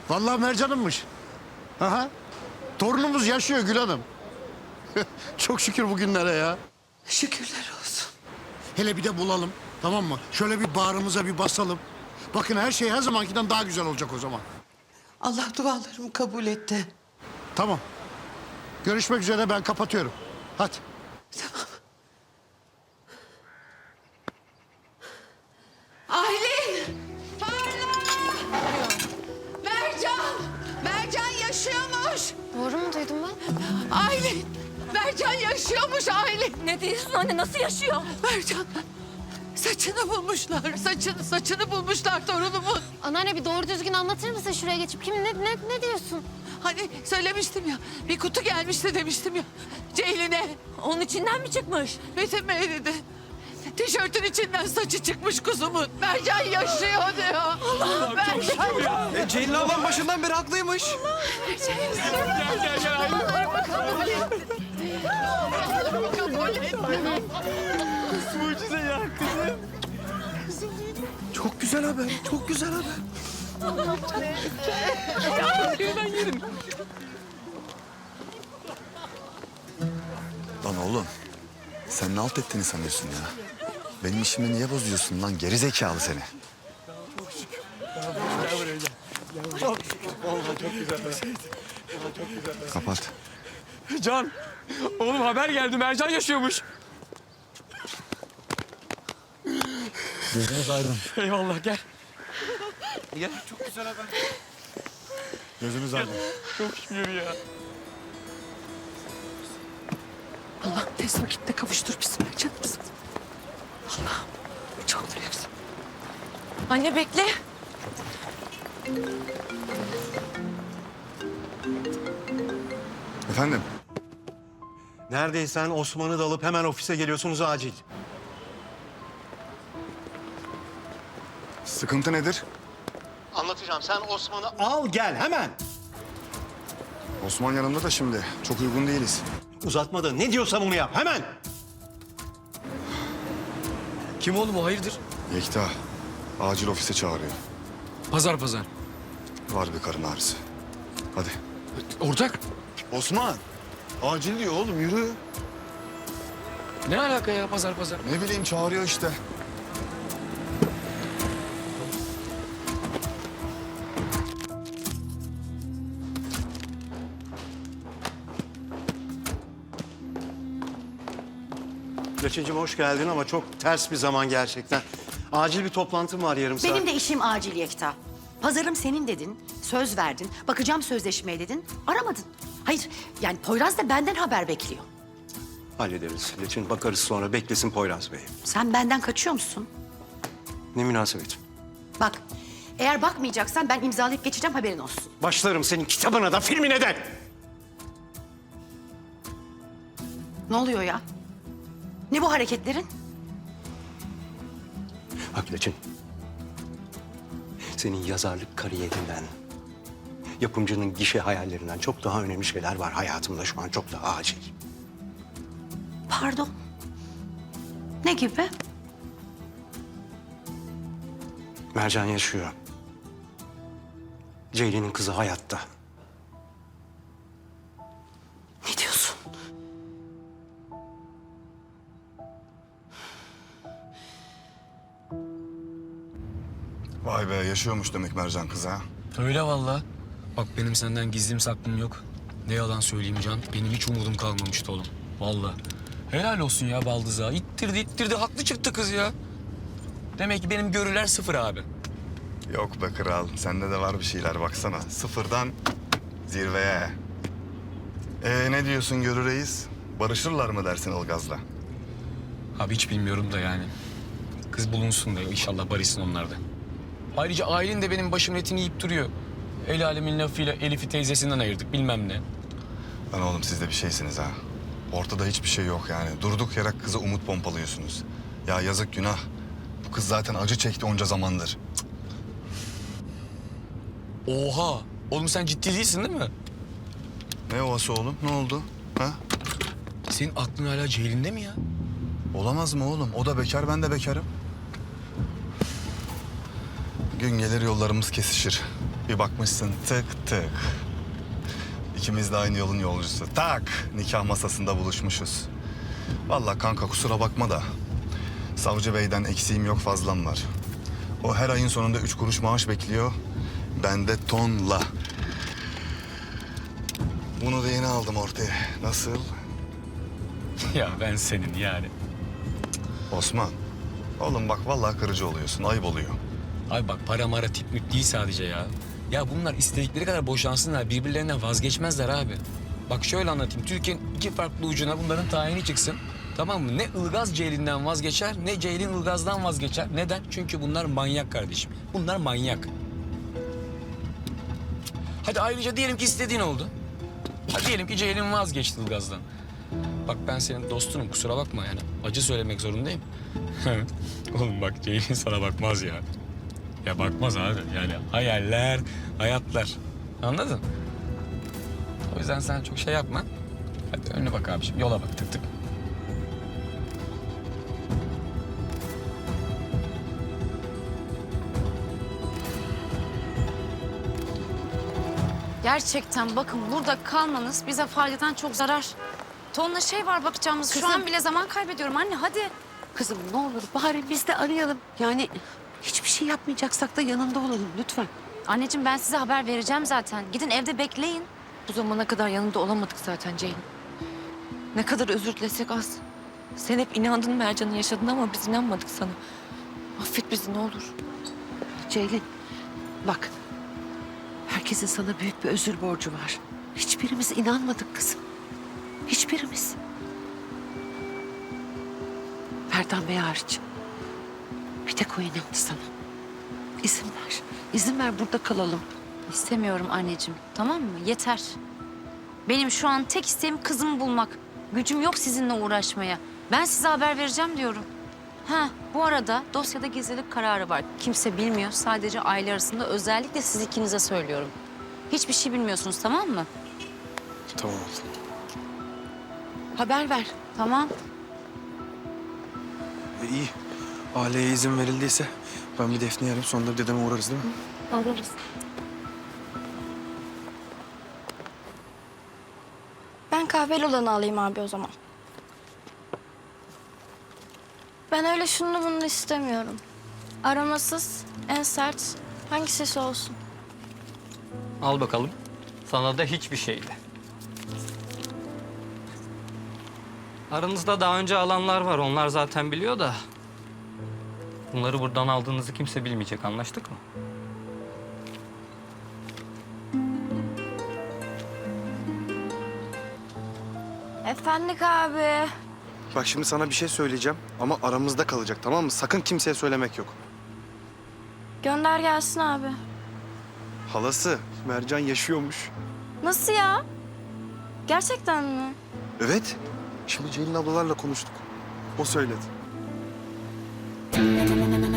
Vallahi Mercan'ınmış. Aha. Torunumuz yaşıyor Gül Hanım. Çok şükür bugünlere ya. Şükürler olsun. Hele bir de bulalım, tamam mı? Şöyle bir bağrımıza bir basalım. Bakın her şey her zamankinden daha güzel olacak o zaman. Allah dualarımı kabul etti. Tamam. Görüşmek üzere, ben kapatıyorum. Hadi. Tamam. Aylin! Parla! Mercan! Mercan yaşıyormuş! Doğru mu duydum ben? Aylin! Mercan yaşıyormuş Aylin! Ne diyorsun anne, nasıl yaşıyor? Mercan! Saçını bulmuşlar. Saçını bulmuşlar torunumun. Anneanne bir doğru düzgün anlatır mısın şuraya geçip? Ne diyorsun? Hani söylemiştim ya. Bir kutu gelmişti demiştim ya. Ceylin'e. Onun içinden mi çıkmış? Metin Bey dedi. Tişörtün içinden saçı çıkmış kuzumun. Mercan yaşıyor diyor. Allah Mercan. Ceylin ablam başından beri haklıymış. Mucize ya kızım. Çok güzel haber, çok güzel haber. Ben yerim. Lan oğlum, sen ne alt ettiğini sanıyorsun ya? Benim işimi niye bozuyorsun lan, geri zekalı seni? Kapat. Can, oğlum haber geldi. Mercan yaşıyormuş. Gözünüz aydın. Eyvallah gel. Gel, çok güzel haber. Gözünüz aydın. Çok şükür ya. Allah tez vakitte kavuştur bizi Mercan'ımız. Allah'ım çok büyüksün. Anne bekle. Efendim? Neredeysen Osman'ı da alıp hemen ofise geliyorsunuz acil. Sıkıntı nedir? Anlatacağım. Sen Osman'ı al gel hemen. Osman yanımda da şimdi. Çok uygun değiliz. Uzatma da ne diyorsam onu yap hemen. Kim oğlum o, hayırdır? Yekta, acil ofise çağırıyor. Pazar. Var bir karın ağrısı. Hadi. Ortak. Osman, acil diyor oğlum, yürü. Ne alaka ya pazar? Ne bileyim, çağırıyor işte. Leçincim hoş geldin ama çok ters bir zaman gerçekten. Acil bir toplantım var yarım saat. Benim de işim acil Yekta. Pazarım senin dedin, söz verdin, bakacağım sözleşmeye dedin, aramadın. Hayır, yani Poyraz da benden haber bekliyor. Hallederiz. Leçin bakarız sonra. Beklesin Poyraz Bey. Sen benden kaçıyor musun? Ne münasebet. Bak, eğer bakmayacaksan ben imzalayıp geçeceğim, haberin olsun. Başlarım senin kitabına da filmine de. Ne oluyor ya? Ne bu hareketlerin? Bak Leçin. Senin yazarlık kariyerinden, yapımcının gişe hayallerinden çok daha önemli şeyler var hayatımda şu an. Çok daha acil. Pardon. Ne gibi? Mercan yaşıyor. Ceylin'in kızı hayatta. Ne diyorsun? Vay be, yaşıyormuş demek Mercan kız ha. Öyle vallahi. Bak benim senden gizlim saklım yok. Ne yalan söyleyeyim Can, benim hiç umudum kalmamıştı oğlum. Vallahi. Helal olsun ya Baldız'a. İttirdi, haklı çıktı kız ya. Demek ki benim görüler sıfır abi. Yok be kral, sende de var bir şeyler baksana. Sıfırdan zirveye. Ne diyorsun Görü Reis? Barışırlar mı dersin Ilgaz'la? Abi hiç bilmiyorum da yani. Kız bulunsun da inşallah barışsın onlar da. Ayrıca ailen de benim başımın etini yiyip duruyor. El alemin lafıyla Elif'i teyzesinden ayırdık bilmem ne. Lan oğlum siz de bir şeysiniz ha. Ortada hiçbir şey yok yani. Durduk yere kıza umut pompalıyorsunuz. Ya yazık, günah. Bu kız zaten acı çekti onca zamandır. Oha! Oğlum sen ciddi değilsin değil mi? Ne ovası oğlum? Ne oldu? Ha? Senin aklın hala Ceylin'de mi ya? Olamaz mı oğlum? O da bekar, ben de bekarım. Gün gelir yollarımız kesişir. Bir bakmışsın tık tık. İkimiz de aynı yolun yolcusu. Tak! Nikah masasında buluşmuşuz. Vallahi kanka kusura bakma da savcı beyden eksiğim yok fazlam var. O her ayın sonunda 3 kuruş maaş bekliyor. Ben de tonla. Bunu da yeni aldım ortaya. Nasıl? Ya ben senin yani. Osman. Oğlum bak vallahi kırıcı oluyorsun. Ayıp oluyor. Abi bak para mara tip müt değil sadece ya. Ya bunlar istedikleri kadar boşansınlar. Birbirlerinden vazgeçmezler abi. Bak şöyle anlatayım. Türkiye'nin iki farklı ucuna bunların tayini çıksın. Tamam mı? Ne Ilgaz Ceylin'den vazgeçer ne Ceylin Ilgaz'dan vazgeçer. Neden? Çünkü bunlar manyak kardeşim. Bunlar manyak. Hadi ayrıca diyelim ki istediğin oldu. Hadi diyelim ki Ceylin vazgeçti Ilgaz'dan. Bak ben senin dostunum kusura bakma yani. Acı söylemek zorundayım. Oğlum bak Ceylin sana bakmaz ya. Ya bakmaz abi. Yani hayaller, hayatlar. Anladın? O yüzden sen çok şey yapma. Hadi önüne bak abiciğim. Yola bak tık tık. Gerçekten bakın burada kalmanız bize faydadan çok zarar. Tonla şey var bakacağımız. Şu an bile zaman kaybediyorum anne hadi. Kızım ne olur bari biz de arayalım. Yani hiçbir şey yapmayacaksak da yanında olalım lütfen. Anneciğim ben size haber vereceğim zaten. Gidin evde bekleyin. Bu zamana kadar yanında olamadık zaten Ceylin. Ne kadar özür dilesek az. Sen hep inandın Mercan'ın yaşadığına ama biz inanmadık sana. Affet bizi ne olur. Ceylin bak. Herkesin sana büyük bir özür borcu var. Hiçbirimiz inanmadık kızım. Hiçbirimiz. Ferdan Bey hariç. Bir tek o inandı sana. İzin ver. İzin ver burada kalalım. İstemiyorum anneciğim tamam mı? Yeter. Benim şu an tek isteğim kızımı bulmak. Gücüm yok sizinle uğraşmaya. Ben size haber vereceğim diyorum. Ha, bu arada dosyada gizlilik kararı var. Kimse bilmiyor. Sadece aile arasında özellikle siz ikinize söylüyorum. Hiçbir şey bilmiyorsunuz tamam mı? Tamam. Haber ver. Tamam. İyi. Aileye izin verildiyse ben bir Defne'yi arayayım sonra da dedeme uğrarız değil mi? Alırız. Ben kahveli olanı alayım abi o zaman. Ben öyle şunu bunu istemiyorum. Aromasız, en sert, hangi ses olsun? Al bakalım. Sana da hiçbir şeydi. Aranızda daha önce alanlar var. Onlar zaten biliyor da. Bunları buradan aldığınızı kimse bilmeyecek. Anlaştık mı? Efendik abi. Bak şimdi sana bir şey söyleyeceğim ama aramızda kalacak tamam mı? Sakın kimseye söylemek yok. Gönder gelsin abi. Halası Mercan yaşıyormuş. Nasıl ya? Gerçekten mi? Evet. Şimdi Ceylin ablalarla konuştuk. O söyledi.